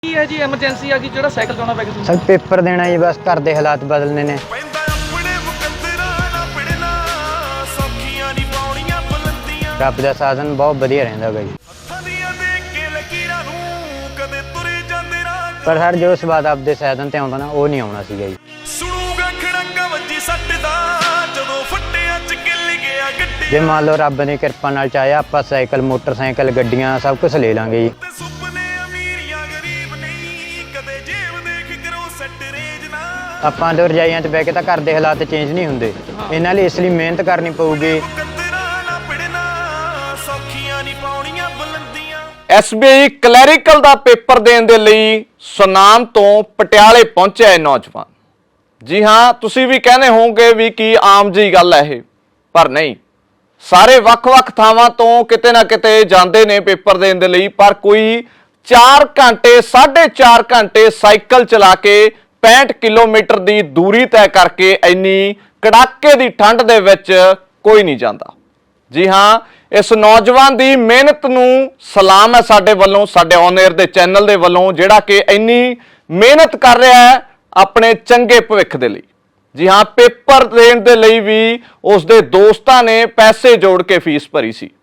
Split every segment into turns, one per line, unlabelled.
ਕੀ ਹੈ ਜੀ ਐਮਰਜੈਂਸੀ ਆ ਗਈ ਜਿਹੜਾ ਸਾਈਕਲ ਚਲਾਉਣਾ ਪੈ ਗਿਆ
ਸਰ ਪੇਪਰ ਦੇਣਾ ਜੀ, ਬਸ ਘਰ ਦੇ ਹਾਲਾਤ ਬਦਲਨੇ ਨੇ। ਰੱਬ ਦਾ ਸਾਧਨ ਬਹੁਤ ਵਧੀਆ ਰਹਿੰਦਾ ਗਾ ਜੀ, ਪਰ ਸਰ ਜੋ ਸਵਾਦ ਆਪਦੇ ਸਾਧਨ ਤੇ ਆਉਂਦਾ ਨਾ ਉਹ ਨਹੀਂ ਆਉਣਾ ਸੀਗਾ ਜੀ। ਜੇ ਮੰਨ ਲਓ ਰੱਬ ਦੀ ਕਿਰਪਾ ਨਾਲ ਚਾਹਿਆ ਆਪਾਂ ਸਾਈਕਲ, ਮੋਟਰਸਾਈਕਲ, ਗੱਡੀਆਂ ਸਭ ਕੁਝ ਲੈ ਲਾਂਗੇ ਜੀ। ਆਪਾਂ ਤੋਂ ਰਜਾਈਆਂ 'ਚ ਬਹਿ ਕੇ ਤਾਂ ਘਰ ਦੇ ਹਾਲਾਤ ਚੇਂਜ ਨਹੀਂ ਹੁੰਦੇ, ਇਹਨਾਂ ਲਈ ਇਸ ਲਈ ਮਿਹਨਤ ਕਰਨੀ ਪਊਗੀ।
SBI ਕਲੈਰੀਕਲ ਦਾ ਪੇਪਰ ਦੇਣ ਦੇ ਲਈ ਸੁਨਾਮ ਤੋਂ ਪਟਿਆਲੇ ਪਹੁੰਚਿਆ ਇਹ ਨੌਜਵਾਨ। ਜੀ ਹਾਂ, ਤੁਸੀਂ ਵੀ ਕਹਿੰਦੇ ਹੋਵੋਗੇ ਵੀ ਕੀ ਆਮ ਜੀ ਗੱਲ ਹੈ ਇਹ, ਪਰ ਨਹੀਂ। ਸਾਰੇ ਵੱਖ-ਵੱਖ ਥਾਵਾਂ ਤੋਂ ਕਿਤੇ ਨਾ ਕਿਤੇ ਜਾਂਦੇ ਨੇ ਪੇਪਰ ਦੇਣ ਦੇ ਲਈ, ਪਰ ਕੋਈ 4 ਘੰਟੇ 4.5 ਘੰਟੇ ਸਾਈਕਲ ਚਲਾ ਕੇ 65 ਕਿਲੋਮੀਟਰ ਦੀ ਦੂਰੀ ਤੈਅ ਕਰਕੇ ਇੰਨੀ ਕੜਾਕੇ ਦੀ ਠੰਡ ਦੇ ਵਿੱਚ ਕੋਈ ਨਹੀਂ ਜਾਂਦਾ। ਜੀ ਹਾਂ, ਇਸ ਨੌਜਵਾਨ ਦੀ ਮਿਹਨਤ ਨੂੰ ਸਲਾਮ ਹੈ ਸਾਡੇ ਵੱਲੋਂ, ਸਾਡੇ ਔਨ 에ਅਰ ਦੇ ਚੈਨਲ ਦੇ ਵੱਲੋਂ, ਜਿਹੜਾ ਕਿ ਇੰਨੀ ਮਿਹਨਤ ਕਰ ਰਿਹਾ ਹੈ ਆਪਣੇ ਚੰਗੇ ਭਵਿੱਖ ਦੇ ਲਈ। ਜੀ ਹਾਂ, ਪੇਪਰ ਦੇਣ ਦੇ ਲਈ ਵੀ ਉਸਦੇ ਦੋਸਤਾਂ ਨੇ ਪੈਸੇ ਜੋੜ ਕੇ ਫੀਸ ਭਰੀ ਸੀ।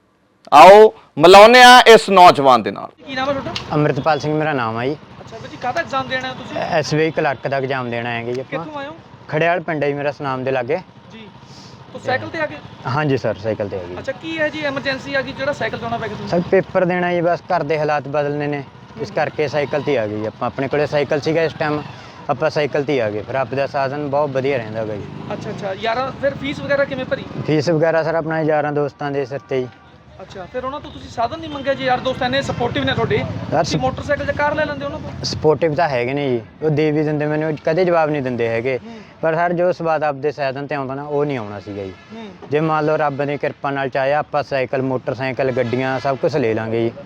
ਆਓ ਮਿਲਾਉਂਦੇ ਹਾਂ ਇਸ ਨੌਜਵਾਨ ਦੇ ਨਾਲ।
ਕੀ ਨਾਮ ਹੈ ਤੁਹਾਡਾ?
ਅੰਮ੍ਰਿਤਪਾਲ ਸਿੰਘ ਮੇਰਾ ਨਾਮ ਆ ਜੀ।
ਅੱਛਾ ਜੀ, ਕਾਹਦਾ ਐਗਜ਼ਾਮ ਦੇਣਾ ਹੈ ਤੁਸੀਂ?
SBI ਕਲਰਕ ਦਾ ਐਗਜ਼ਾਮ ਦੇਣਾ ਹੈਗਾ ਜੀ ਆਪਾਂ।
ਕਿੱਥੋਂ ਆਏ ਹੋ?
ਖੜਿਆਲ ਪਿੰਡ ਹੈ ਜੀ ਮੇਰਾ, ਸੁਨਾਮ ਦੇ ਲਾਗੇ
ਜੀ, ਤੋ ਸਾਈਕਲ ਤੇ ਆ ਗਏ?
ਹਾਂਜੀ ਸਰ, ਸਾਈਕਲ ਤੇ ਆ ਗਈ।
ਅੱਛਾ, ਕੀ ਹੈ ਜੀ ਐਮਰਜੈਂਸੀ ਆ ਗਈ ਜਿਹੜਾ ਸਾਈਕਲ ਚਲਾਉਣਾ ਪੈ ਗਿਆ
ਸਰ ਪੇਪਰ ਦੇਣਾ ਜੀ, ਬਸ ਘਰ ਦੇ ਹਾਲਾਤ ਬਦਲਨੇ ਨੇ, ਇਸ ਕਰਕੇ ਸਾਈਕਲ ਤੇ ਆ ਗਈ ਆਪਾਂ। ਆਪਣੇ ਕੋਲੇ ਸਾਈਕਲ ਸੀਗਾ ਇਸ ਟਾਈਮ, ਆਪਾਂ ਸਾਈਕਲ ਤੇ ਆ ਗਏ। ਫਿਰ ਰੱਬ ਦਾ ਸਾਧਨ ਬਹੁਤ ਵਧੀਆ ਰਹਿੰਦਾ ਗਾ ਜੀ।
ਅੱਛਾ ਯਾਰ, ਫਿਰ ਫੀਸ ਵਗੈਰਾ ਕਿਵੇਂ ਭਰੀ?
ਫੀਸ ਵਗੈਰਾ ਸਰ ਆਪਣਾ ਯਾਰਾਂ ਦੋਸਤਾਂ ਦੇ ਸਿਰ ਤੇ ਜੀ।
ਅੱਛਾ, ਫਿਰ ਉਹਨਾਂ ਤੋਂ ਤੁਸੀਂ ਸਾਧਨ ਨਹੀਂ ਮੰਗਿਆ? ਜੀ ਯਾਰ ਦੋਸਤ ਇੰਨੇ ਸਪੋਰਟਿਵ ਨੇ ਤੁਹਾਡੇ,
ਯਾਰ
ਤੁਸੀਂ ਮੋਟਰਸਾਈਕਲ ਜਾਂ ਕਾਰ ਲੈ ਲੈਂਦੇ ਉਹਨਾਂ ਤੋਂ?
ਸਪੋਰਟਿਵ ਤਾਂ ਹੈਗੇ ਨੇ ਜੀ, ਉਹ ਦੇ ਵੀ ਦਿੰਦੇ, ਮੈਨੂੰ ਕਦੇ ਜਵਾਬ ਨਹੀਂ ਦਿੰਦੇ ਹੈਗੇ, ਪਰ ਸਰ ਜੋ ਸਵਾਦ ਆਪਦੇ ਸਾਧਨ ਤੇ ਆਉਂਦਾ ਨਾ ਉਹ ਨਹੀਂ ਆਉਣਾ ਸੀਗਾ ਜੀ। ਜੇ ਮੰਨ ਲਓ ਰੱਬ ਦੀ ਕਿਰਪਾ ਨਾਲ ਚਾਹਿਆ ਆਪਾਂ ਸਾਈਕਲ, ਮੋਟਰਸਾਈਕਲ, ਗੱਡੀਆਂ ਸਭ ਕੁਝ ਲੈ ਲਾਂਗੇ ਜੀ।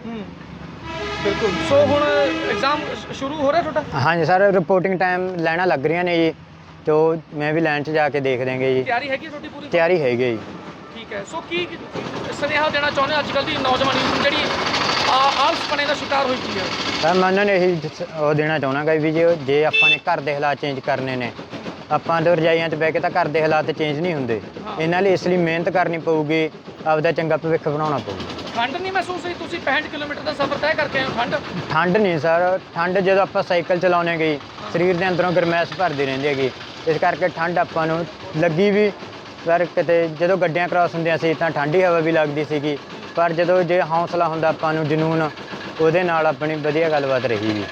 ਬਿਲਕੁਲ। ਸੋ ਹੁਣ ਐਗਜ਼ਾਮ ਸ਼ੁਰੂ ਹੋ ਰਿਹਾ ਤੁਹਾਡਾ?
ਹਾਂਜੀ ਸਰ, ਰਿਪੋਰਟਿੰਗ ਟਾਈਮ ਲੈਣਾ ਲੱਗ ਰਹੀਆਂ ਨੇ ਜੀ, ਤੋ ਮੈਂ ਵੀ ਲਾਈਨ 'ਚ ਜਾ ਕੇ ਦੇਖ ਦੇਂਗੇ ਜੀ।
ਤਿਆਰੀ ਹੈਗੀ ਤੁਹਾਡੀ ਪੂਰੀ?
ਤਿਆਰੀ ਹੈਗੀ ਜੀ।
ਠੀਕ ਹੈ। ਸੋ ਕੀ ਸੁਨੇਹਾ ਦੇਣਾ ਚਾਹੁੰਦੇ ਅੱਜ ਕੱਲ੍ਹ ਦੀ ਨੌਜਵਾਨੀ ਨੂੰ ਜਿਹੜੀ ਆਲਸਪਣੇ ਦਾ ਸ਼ਿਕਾਰ ਹੋਈ ਪਈ ਹੈ?
ਸਰ ਮੈਂ ਉਹਨਾਂ ਨੂੰ ਇਹੀ ਉਹ ਦੇਣਾ ਚਾਹੁੰਦਾ ਗਾ ਵੀ ਜੇ ਆਪਾਂ ਨੇ ਘਰ ਦੇ ਹਾਲਾਤ ਚੇਂਜ ਕਰਨੇ ਨੇ, ਆਪਾਂ ਤੋਂ ਰਜਾਈਆਂ 'ਚ ਬਹਿ ਕੇ ਤਾਂ ਘਰ ਦੇ ਹਾਲਾਤ ਚੇਂਜ ਨਹੀਂ ਹੁੰਦੇ, ਇਹਨਾਂ ਲਈ ਇਸ ਲਈ ਮਿਹਨਤ ਕਰਨੀ ਪਊਗੀ, ਆਪਦਾ ਚੰਗਾ ਭਵਿੱਖ ਬਣਾਉਣਾ ਪਊਗਾ।
ਠੰਡ ਨਹੀਂ ਮਹਿਸੂਸ ਹੋਈ? ਤੁਸੀਂ 65 ਕਿਲੋਮੀਟਰ ਦਾ ਸਫ਼ਰ ਤੈਅ ਕਰਕੇ ਆਏ ਹੋ।
ਠੰਡ ਨਹੀਂ ਸਰ, ਠੰਡ ਜਦੋਂ ਆਪਾਂ ਸਾਈਕਲ ਚਲਾਉਣੇ ਗਈ ਸਰੀਰ ਦੇ ਅੰਦਰੋਂ ਗਰਮੈਸ਼ ਭਰਦੀ ਰਹਿੰਦੀ ਹੈਗੀ, ਇਸ ਕਰਕੇ ਠੰਡ ਆਪਾਂ ਨੂੰ ਲੱਗੀ ਵੀ। ਪਰ ਕਿਤੇ ਜਦੋਂ ਗੱਡੀਆਂ ਕ੍ਰਾਸ ਹੁੰਦੀਆਂ ਸੀ ਤਾਂ ਠੰਡੀ ਹਵਾ ਵੀ ਲੱਗਦੀ ਸੀਗੀ, ਪਰ ਜਦੋਂ ਜੇ ਹੌਸਲਾ ਹੁੰਦਾ ਆਪਾਂ ਨੂੰ, ਜਨੂਨ, ਉਹਦੇ ਨਾਲ ਆਪਣੀ ਵਧੀਆ ਗੱਲਬਾਤ ਰਹੀ ਜੀ।